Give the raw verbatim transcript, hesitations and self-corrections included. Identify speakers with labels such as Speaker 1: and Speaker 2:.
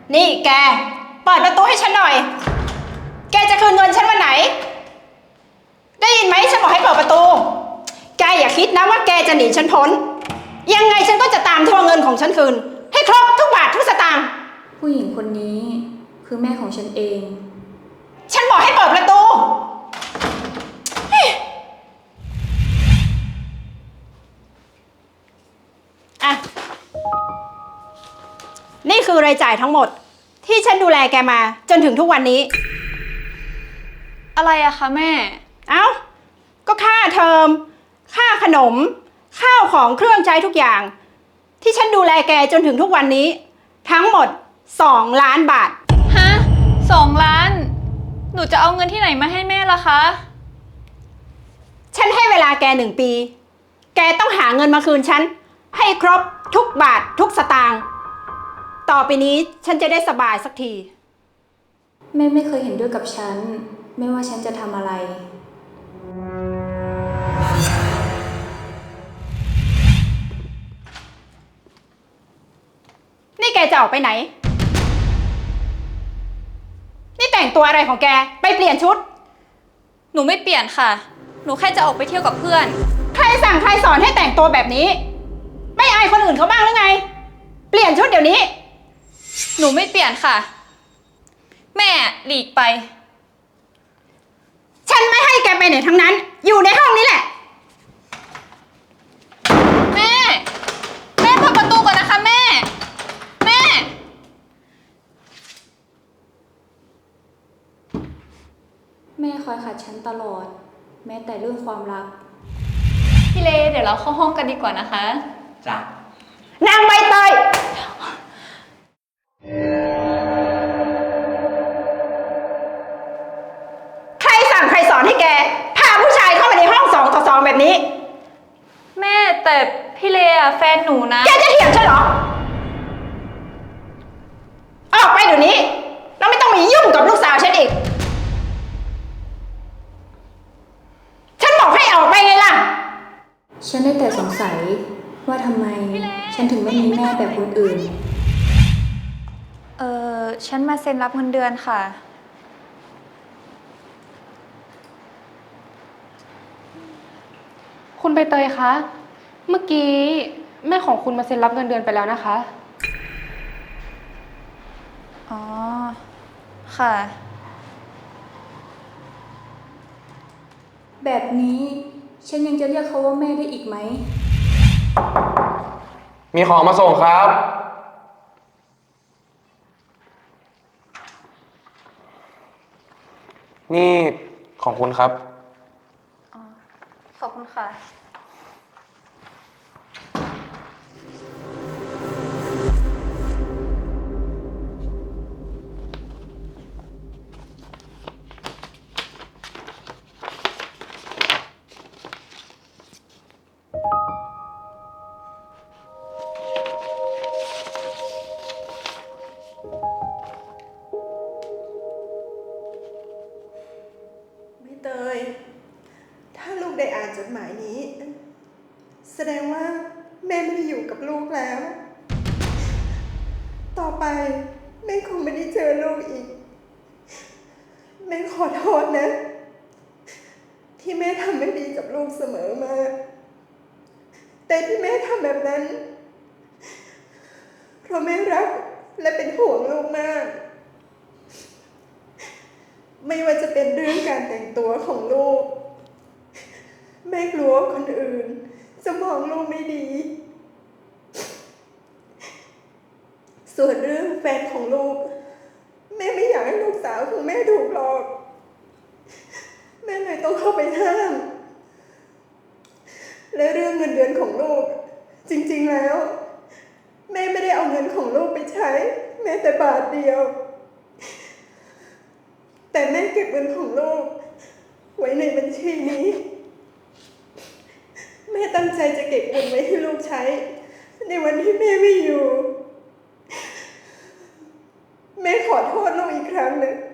Speaker 1: นี่แกเปิดประตูให้ฉันหน่อยแกจะคืนเงินฉันวันไหนได้ยินไหมฉันบอกให้เปิดประตูแกอย่าคิดนะว่าแกจะหนีฉันพ้นยังไงฉันก็จะตามทวงเงินของฉันคืนให้ครบทุกบาททุกสตางค์
Speaker 2: ผู้หญิงคนนี้คือแม่ของฉันเอง
Speaker 1: ฉันบอกให้เปิดประตูอะนี่คือรายจ่ายทั้งหมดที่ฉันดูแลแกมาจนถึงทุกวันนี้
Speaker 3: อะไรอะคะแม่
Speaker 1: เอ้าก็ค่าเทอมค่าขนมข้าวของเครื่องใช้ทุกอย่างที่ฉันดูแลแกจนถึงทุกวันนี้ทั้งหมดสองล้านบาท
Speaker 3: ฮะสองล้านหนูจะเอาเงินที่ไหนมาให้แม่ล่ะคะ
Speaker 1: ฉันให้เวลาแกหนึ่งปีแกต้องหาเงินมาคืนฉันให้ครบทุกบาททุกสตางค์ต่อไปนี้ฉันจะได้สบายสักที
Speaker 2: แม่ไม่เคยเห็นด้วยกับฉันไม่ว่าฉันจะทำอะไร
Speaker 1: นี่แกจะออกไปไหนนี่แต่งตัวอะไรของแกไปเปลี่ยนชุด
Speaker 3: หนูไม่เปลี่ยนค่ะหนูแค่จะออกไปเที่ยวกับเพื่อน
Speaker 1: ใครสั่งใครสอนให้แต่งตัวแบบนี้ไม่อายคนอื่นเขาบ้างหรือไงเปลี่ยนชุดเดี๋ยวนี้
Speaker 3: หนูไม่เปลี่ยนค่ะแม่หลีกไป
Speaker 1: ฉันไม่ให้แกไปไหนทั้งนั้นอยู่ในห้องนี้แหละ
Speaker 3: แม่แม่เปิดประตูก่อนนะคะแม่แม่
Speaker 2: แม่คอยขัดฉันตลอดแม้แต่เรื่องความรัก
Speaker 3: พี่เลเดี๋ยวเราเข้าห้องกันดีกว่านะคะ
Speaker 4: จ้ะ
Speaker 1: นางใบเตยใครสั่งใครสอนให้แกพาผู้ชายเข้ามาในห้องสองต่อสองแบบนี้
Speaker 3: แม่แต่พี่เลอะแฟนหนูนะ
Speaker 1: แกจะเถียงฉันเหรอออกไปเดี๋ยวนี้แล้วไม่ต้องมายุ่งกับลูกสาวฉันอีกฉันบอกให้ออกไปไงล่ะ
Speaker 2: ฉันได้แต่สงสัยว่าทำไมฉันถึงไม่มีแม่แบบคนอื่น
Speaker 3: เออฉันมาเซ็นรับเงินเดือนค่ะ
Speaker 5: คุณใบเตยคะเมื่อกี้แม่ของคุณมาเซ็นรับเงินเดือนไปแล้วนะคะ
Speaker 3: อ๋อค่ะ
Speaker 2: แบบนี้ฉันยังจะเรียกเขาว่าแม่ได้อีกไหม
Speaker 4: มีของมาส่งครับนี่ของคุณครับ
Speaker 3: อ๋อขอบคุณค่ะ
Speaker 6: เตยถ้าลูกได้อ่านจดหมายนี้แสดงว่าแม่ไม่ได้อยู่กับลูกแล้วต่อไปแม่คงไม่ได้เจอลูกอีกแม่ขอโทษนะที่แม่ทำไม่ดีกับลูกเสมอมาแต่ที่แม่ทำแบบนั้นเพราะแม่รักและเป็นห่วงลูกมากไม่ว่าจะเป็นเรื่องการแต่งตัวของลูกแม่กลัวคนอื่นจะมองลูกไม่ดีส่วนเรื่องแฟนของลูกแม่ไม่อยากให้ลูกสาวของแม่ถูกหลอกแม่เลยต้องเข้าไปห้ามและเรื่องเงินเดือนของลูกจริงๆแล้วแม่ไม่ได้เอาเงินของลูกไปใช้แม้แต่บาทเดียวแต่แม่เก็บเงินของลูกไว้ในบัญชีนี้แม่ตั้งใจจะเก็บเงินไว้ให้ลูกใช้ในวันที่แม่ไม่อยู่แม่ขอโทษลูกอีกครั้งหนึ่ง